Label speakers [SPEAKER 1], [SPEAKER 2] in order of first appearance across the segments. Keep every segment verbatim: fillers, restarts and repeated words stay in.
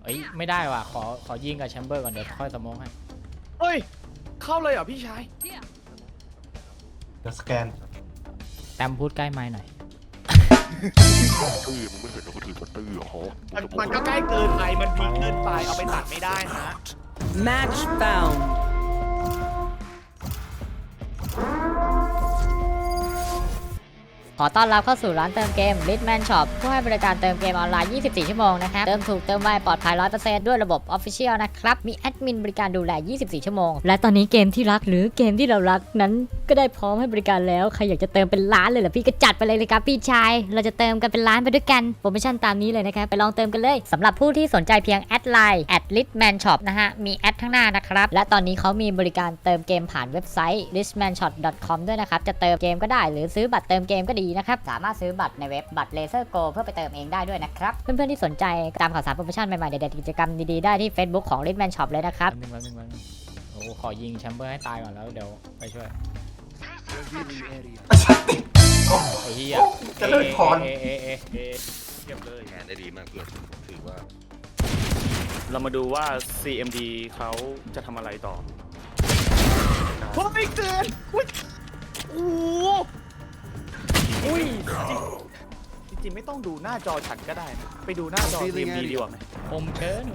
[SPEAKER 1] เอ้ยไม่ได้ว่ะขอขอยิงกับแชมเบอร์ก่อนเดี๋ยวค่อยสโมองให้
[SPEAKER 2] เฮ้ยเข้าเลยเหรอพี่ชาย
[SPEAKER 3] เ
[SPEAKER 4] ดี๋ยวสแกน
[SPEAKER 1] แตมพูดใกล้ไมค์หน่อย
[SPEAKER 5] ตื้อมึงไม่เห็นเราก็ถือว่าตื้อเหรอ
[SPEAKER 2] มันก็ใกล้เกินไปมันพีเกินไปเอาไปตัดไม่ได้นะ
[SPEAKER 3] Match found
[SPEAKER 6] ขอต้อนรับเข้าสู่ร้านเติมเกม Litman Shop ผู้ให้บริการเติมเกมออนไลน์ ยี่สิบสี่ ชั่วโมงนะครับ เติมถูกเติมไวปลอดภัย ร้อยเปอร์เซ็นต์ ด้วยระบบ Official นะครับ มีแอดมินบริการดูแล ยี่สิบสี่ ชั่วโมง และตอนนี้เกมที่รักหรือเกมที่เรารักนั้นก็ได้พร้อมให้บริการแล้ว ใครอยากจะเติมเป็นล้านเลยเหรอพี่ก็จัดไปเลยเลยครับพี่ชาย เราจะเติมกันเป็นล้านไปด้วยกัน โปรโมชั่นตามนี้เลยนะครับ ไปลองเติมกันเลยสำหรับผู้ที่สนใจเพียงแอดไลน์ แอด Litman Shop นะฮะ มีแอดข้างหน้านะครับ และตอนนี้เขามีบริการเติมเกมผ่านเว็บไซต์ litman shop dot com ด้วยนะครับ จะเติมเกมก็ได้หรือซื้อบัตรเติมเกมก็ดีนะครับ สามารถซื้อบัตรในเว็บบัตร Laser Go เพื่อไปเติมเองได้ด้วยนะครับ เพื่อนๆที่สนใจตามข่าวสารโปรโมชั่นใหม่ๆเด็ดๆกิจกรรมดีๆได้ที่ Facebook ของ Litman Shop เลยนะครับ
[SPEAKER 1] แป๊บนึงแป๊บนึงแป๊บนึงโอ้ขอยิงแชมเบอร์ให้ตายก่อนแล้วเดี๋ยวไปช่วยไอ้เหี้ย
[SPEAKER 4] จะเลิกถอน
[SPEAKER 1] เอเอเอเอ
[SPEAKER 2] เก็บเลย
[SPEAKER 5] แขนได้ดีมากเพื่อนถือว่า
[SPEAKER 2] เรามาดูว่า ซี เอ็ม ดี เขาจะทำอะไรต่อเฮ้ยเกินอุ้ยโอ้อุ้ยจริงจริงๆไม่ต้องดูหน้าจอฉันก็ได้นะไปดูหน้าจอ ซี เอ็ม ดี ดีกว่าไหม
[SPEAKER 1] คมเกิน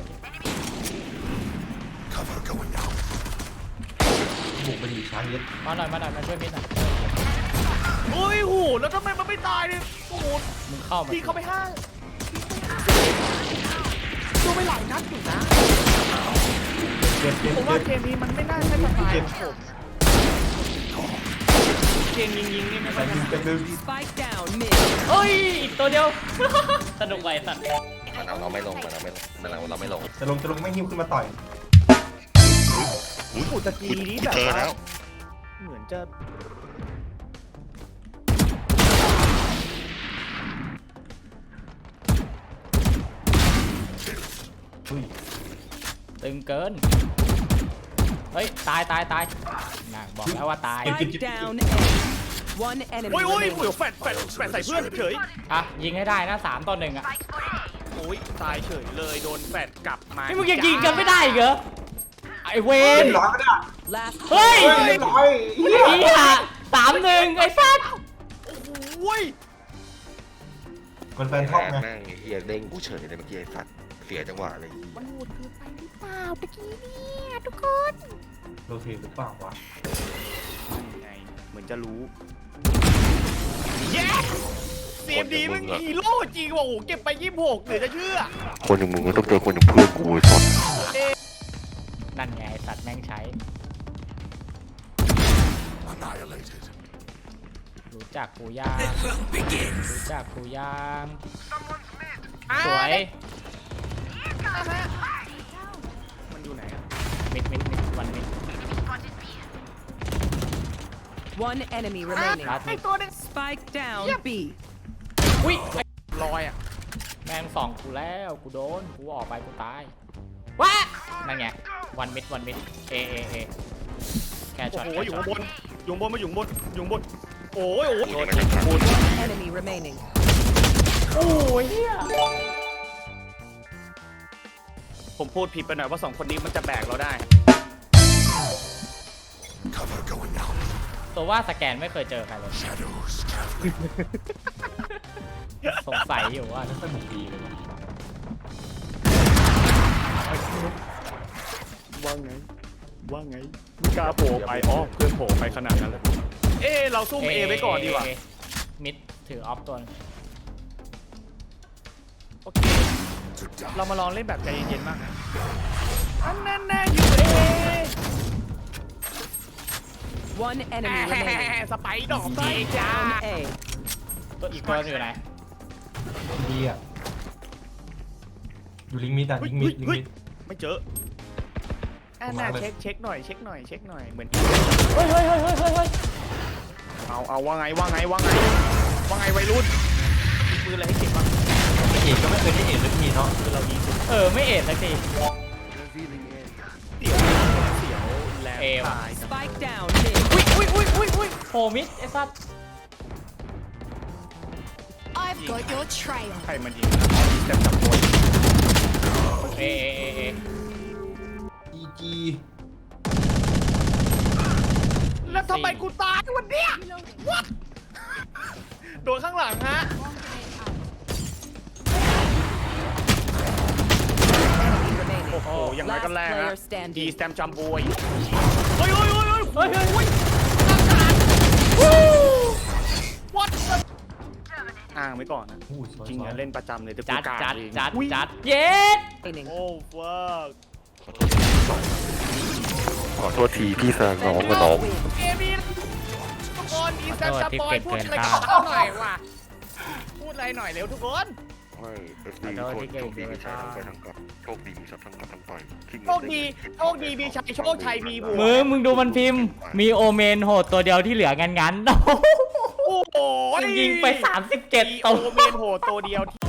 [SPEAKER 4] บุกไปดีช้างเย็ด
[SPEAKER 1] มาหน่อยมาหน่อยมาช่วยมิดหน่อย
[SPEAKER 2] เฮ้ยโหแล้วทำไมมันไม่ตายเนี่ยโอ้โห
[SPEAKER 1] มึงเข้ามา
[SPEAKER 2] พี่เขาไปห้าดูไปหลายนัดอยู่นะ
[SPEAKER 4] เก็บเก็บ
[SPEAKER 2] ผม
[SPEAKER 4] เก็
[SPEAKER 2] ว่า
[SPEAKER 4] บ
[SPEAKER 2] เกมนี้มันไม่น่าใช่สไตล์ของผมเกมยิงยิงๆนี่ไม่ค่อยถนัด
[SPEAKER 4] เก็บลืม
[SPEAKER 3] Spike down mid
[SPEAKER 1] เฮ้ยอีกตัวเดียว สนุกไปสัตว์
[SPEAKER 5] มันเอาเราไม่ลงมันเอาไม่ลงมันเอาเราไม่ลง
[SPEAKER 4] จะลงจะลงไม่หิ้วขึ้นมาต่อย
[SPEAKER 2] อุ้ยตะกี้นี้แบบ
[SPEAKER 5] เจอ
[SPEAKER 2] ว่า
[SPEAKER 5] แล้ว
[SPEAKER 2] เหมือนจะ
[SPEAKER 4] อุ้ย
[SPEAKER 1] ตึงเกินเฮ้ยตายตายตายน่ะบอกแล้วว่าตาย
[SPEAKER 3] Spike down A One enemy
[SPEAKER 2] โอ้ยโอ้ย
[SPEAKER 3] remaining
[SPEAKER 2] โอ้ยแฟดแฟดแฟดใส่เพื่อนเฉย
[SPEAKER 1] อ่ะยิงให้ได้นะสามต่อหนึ่งอ่ะ
[SPEAKER 2] โอ้ยตายเฉยเลยโดนแฟดกลับมา
[SPEAKER 1] นี่มึงยังยิงกันไม่ได้อีกเหรอไอเว
[SPEAKER 4] เรี
[SPEAKER 1] น
[SPEAKER 4] ยบร้อยก็ได้
[SPEAKER 3] Last
[SPEAKER 1] เฮ้ย
[SPEAKER 4] เรียบร้อยเฮีย
[SPEAKER 1] อีห่าสามหนึ่งไอ้สัส
[SPEAKER 2] โอ้ย
[SPEAKER 4] มันแฟนท็อปไง
[SPEAKER 5] แม่งไอ้เฮียเด้งกูเฉยเลยเมื่อกี้ไอ้สัตว์เสียจังหวะเลย
[SPEAKER 2] มันโหดเกินไปหรือเปล่าตะกี้เนี่ยทุกคน
[SPEAKER 4] โรเทหรือเปล่าวะ
[SPEAKER 2] ไงเหมือนจะรู้เย้เสียมดีมึงฮีโร่จริงว่ะโอ้โหเก็บไปยี่สิบหกเหลือจะเชื่อ
[SPEAKER 5] คนอย่างมึงก็ต้องเจอคนอย่างเพื่อนกูไอ้สัตว์
[SPEAKER 1] นั่นไงไอ้สัตว์แม่งใช้รู้จักกูย่างรู้จักกูย่างสวย
[SPEAKER 2] มันอยู่ไหนอะ
[SPEAKER 1] มิดมิดมิดวันมิด
[SPEAKER 3] One enemy remaining
[SPEAKER 1] ลาส
[SPEAKER 2] ไอ
[SPEAKER 1] มิด
[SPEAKER 2] ตัวนึง
[SPEAKER 3] Spike down B
[SPEAKER 1] อุ้ย
[SPEAKER 2] ลอยอะ
[SPEAKER 1] แม่งสองกูแล้วกูโดนกูออกไปกูตายว้านั่นไงวันมิดวันมิดเอเอเอแค่
[SPEAKER 2] โอ้
[SPEAKER 1] ช็อต
[SPEAKER 2] โห
[SPEAKER 1] แค่
[SPEAKER 2] อยู่
[SPEAKER 1] ช็อต
[SPEAKER 2] ข้างบนอยู่ข้างบนมาอยู่ข้างบนอยู่ข้างบนโอ้ยโอ้ย
[SPEAKER 5] โดนไม่ทัน
[SPEAKER 2] คุณ
[SPEAKER 3] enemy remaining
[SPEAKER 1] โอ้ยเหี้ย
[SPEAKER 2] ผมพูดผิดไปหน่อยว่าสองคนนี้มันจะแบกเราได้
[SPEAKER 1] ตัวว่าสแกนไม่เคยเจอใครเลยสงสัยอยู่ว่าจะสนุกดีเลยวะ
[SPEAKER 2] ว่าไงว่าไงไม่กล้าโผล่ไปอ๋อเพื่อนโผล่ไปขนาดนั้นเลยเอ๊ะเราซุ่มเอไว้ก่อนดีกว่า
[SPEAKER 1] เอมิดถือออฟตัวนึง
[SPEAKER 2] โอเคเรามาลองเล่นแบบใจเย็นๆมากนะอันนั้นแน่อยู่เอ
[SPEAKER 3] One enemy remaining
[SPEAKER 2] สไปดอกไส้
[SPEAKER 3] Spike
[SPEAKER 2] จ้า
[SPEAKER 3] down A
[SPEAKER 1] ตัวอีกตัวนึงอยู่ไหน
[SPEAKER 4] ดีอ่ะอยู่ลิงมิดอ่ะลิงมิดลิงมิด
[SPEAKER 2] ไม่เจออันน่าเช็คเช็คหน่อยเช็คหน่อยเช็คหน่อยเหมือน
[SPEAKER 1] เฮ้ยเฮ้ยเฮ้ยเฮ้ยเฮ้ยเฮ้ย
[SPEAKER 2] เอาเอาว่าไงว่าไงว่าไงว่าไงวัยรุ่นมีปืนอะไรให้เก็บบ้าง
[SPEAKER 4] เอกก็ไม่เคยได้เอกสักทีเนาะ
[SPEAKER 2] คือเรายิงสุด
[SPEAKER 1] เออไม่เอ็ดสักที
[SPEAKER 2] เสียวเสียวแรง
[SPEAKER 1] เอว
[SPEAKER 2] ตาย
[SPEAKER 3] Spike down mid
[SPEAKER 1] อุ้ยอุ้ยอุ้ยอุ้ยอุ้ยโผล่มิดไอ้สัส
[SPEAKER 7] I've got your trail.
[SPEAKER 2] ใครมันยิงนะแต่จับตัวโอเค
[SPEAKER 1] เอเอเอเอ
[SPEAKER 4] จีจี
[SPEAKER 2] แล้วทำไมกูตายวันเนี้ย What โดนข้างหลังฮะ
[SPEAKER 3] Remaining.
[SPEAKER 2] โอ้โหยังไงกันแรง
[SPEAKER 3] Last
[SPEAKER 2] ฮะ
[SPEAKER 3] player standing.
[SPEAKER 2] ดีสแตมจัมบอยเฮ้ยเฮ้ยเฮ้ยเฮ้ย
[SPEAKER 1] เฮ้ยเฮ้ยเฮ้ย
[SPEAKER 2] What อ้างไว้ก่อนนะ
[SPEAKER 4] อู้สวย
[SPEAKER 2] จริง
[SPEAKER 4] สวย
[SPEAKER 2] อะเล่นประจำเลยแต่กู
[SPEAKER 1] จัด
[SPEAKER 2] กา
[SPEAKER 1] จัด
[SPEAKER 2] เอง
[SPEAKER 1] จัด
[SPEAKER 2] อุ๊ย
[SPEAKER 1] จัดเย็ด
[SPEAKER 3] Remaining.
[SPEAKER 2] โอ้ฟัก
[SPEAKER 5] ขอโทษทีพี่แซงน้องกับน้อง
[SPEAKER 2] เกมนี้ทุกคนดีสแตมจัมบอยพูดอะไรกับ
[SPEAKER 1] ขอโทษที่เกิน
[SPEAKER 2] เขาหน่อยว่ะพูดอะไรหน่อยเร็วทุกคน
[SPEAKER 5] ไม่เอฟซีคนโชคดีมีชัยทั้งไปทั้งกลับโชคดีมีชัยทั้งกลับทั้งไปที่เงิน
[SPEAKER 2] โชคดีโชคดีมีชัยโชคชัยมีบัว
[SPEAKER 1] มึงมึงดูมันพิมพ์ มีโอเมนโหดตัวเดียวที่เหลืองั้นงั้น
[SPEAKER 2] โอ้โห
[SPEAKER 1] ยิงไปสามสิบเจ็ด
[SPEAKER 2] มี
[SPEAKER 1] ตัว
[SPEAKER 2] โอเมนโหตัวเดียวที่